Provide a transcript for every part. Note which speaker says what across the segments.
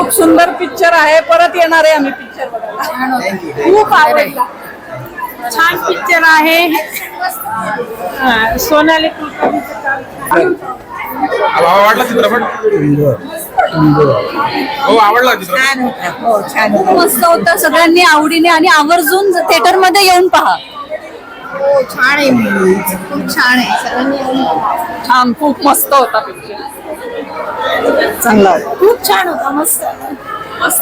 Speaker 1: खूप सुंदर पिक्चर आहे, परत येणार आहे आम्ही पिक्चर बघायला. खूप आवडला, छान पिक्चर आहे. सोनाली कुलकर्णीचं काम.
Speaker 2: आवडला चित्रपट? हो आवडला चित्रपट.
Speaker 1: हो छान, खूप मस्त होता. सगळ्यांनी आवडीने आणि आवर्जून थिएटर मध्ये येऊन पहा.
Speaker 3: हो छान आहे, खूप छान आहे. सगळ्यांनी
Speaker 1: छान, खूप मस्त होता पिक्चर. चांगला होता, खूप छान होता. मस्त मस्त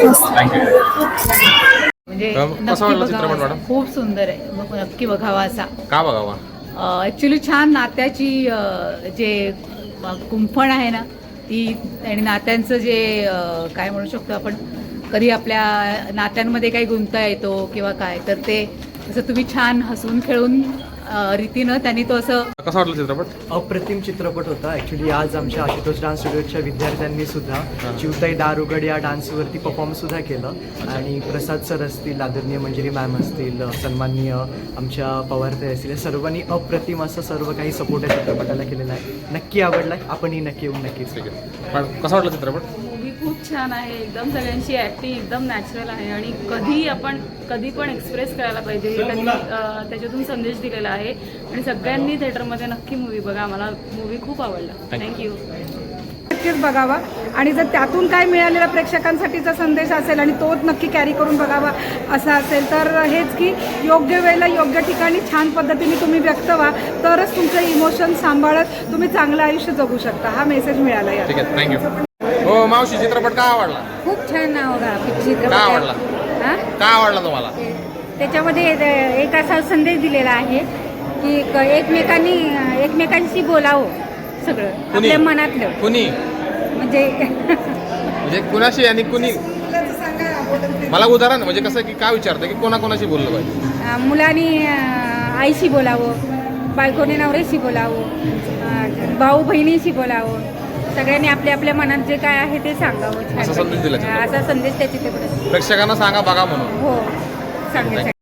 Speaker 4: म्हणजे
Speaker 2: कसा वाटला चित्रपट मॅडम?
Speaker 4: खूप सुंदर आहे, मग नक्की बघावा असा.
Speaker 2: का बघावा?
Speaker 4: ऍक्च्युली छान नात्याची जे कुंपण आहे ना ती, आणि नात्यांचं जे काय म्हणू शकतो आपण, कधी आपल्या नात्यांमध्ये काही गुंता येतो किंवा काय, तर ते असं तुम्ही छान हसून खेळून रीतीनं त्यांनी तो असं.
Speaker 2: कसा वाटला चित्रपट?
Speaker 5: अप्रतिम चित्रपट होता. ॲक्च्युली आज आमच्या आशुतोष डान्स स्टुडिओच्या विद्यार्थ्यांनी सुद्धा चिवताई दारुगड या डान्सवरती परफॉर्म सुद्धा केलं. आणि प्रसाद सर असतील, आदरणीय मंजिरी मॅम असतील, सन्माननीय आमच्या पवारताई असतील, सर्वांनी अप्रतिम असं सर्व काही सपोर्ट या चित्रपटाला केलेला आहे. नक्की आवडला, आपणही नक्की येऊन नक्कीच.
Speaker 2: ठीक आहे मॅडम, कसा वाटला चित्रपट?
Speaker 6: मूवी खूप छान आहे, एकदम सगळ्यांची ॲक्टिंग एकदम नॅचरल आहे आणि कधी पण एक्सप्रेस करायला पाहिजे हे त्यांनी त्याच्यातून संदेश दिलेला आहे. आणि सगळ्यांनी थिएटरमध्ये नक्की मूवी बघा. मला मूवी खूप आवडला. थँक्यू.
Speaker 7: नक्कीच बघावा आणि जर त्यातून काय मिळालेला प्रेक्षकांसाठीचा संदेश असेल आणि तो नक्की कॅरी करून बघावा असा असेल तर हेच की योग्य वेळेला योग्य ठिकाणी छान पद्धतीने तुम्ही व्यक्त व्हा, तरच तुमचं इमोशन सांभाळत तुम्ही चांगलं आयुष्य जगू शकता. हा मेसेज मिळाला या.
Speaker 2: ठीक आहे, थँक्यू. हो मावशी, चित्रपट का आवडला?
Speaker 3: खूप छान आवडला चित्रपट.
Speaker 2: का आवडला? का आवडला तुम्हाला?
Speaker 3: त्याच्यामध्ये एक असा संदेश दिलेला आहे की एकमेकांशी बोलावं सगळं आपल्या मनातलं.
Speaker 2: कुणी
Speaker 3: म्हणजे
Speaker 2: कुणाशी आणि कुणी? मला उदाहरण म्हणजे कसं की काय विचारतं की कोणाकोणाशी बोललं पाहिजे?
Speaker 3: मुलांनी आईशी बोलावं, बायकोने नवऱ्याशी बोलावं, भाऊ बहिणीशी बोलावं. सगळ्यांनी आपल्या आपल्या मनात जे काय आहे ते सांगावं.
Speaker 2: असा संदेश दिला चित्रपटात.
Speaker 3: असा संदेश त्या चित्रपटात
Speaker 2: प्रेक्षकांना सांगा बघा म्हणून.
Speaker 3: हो सांगायचं.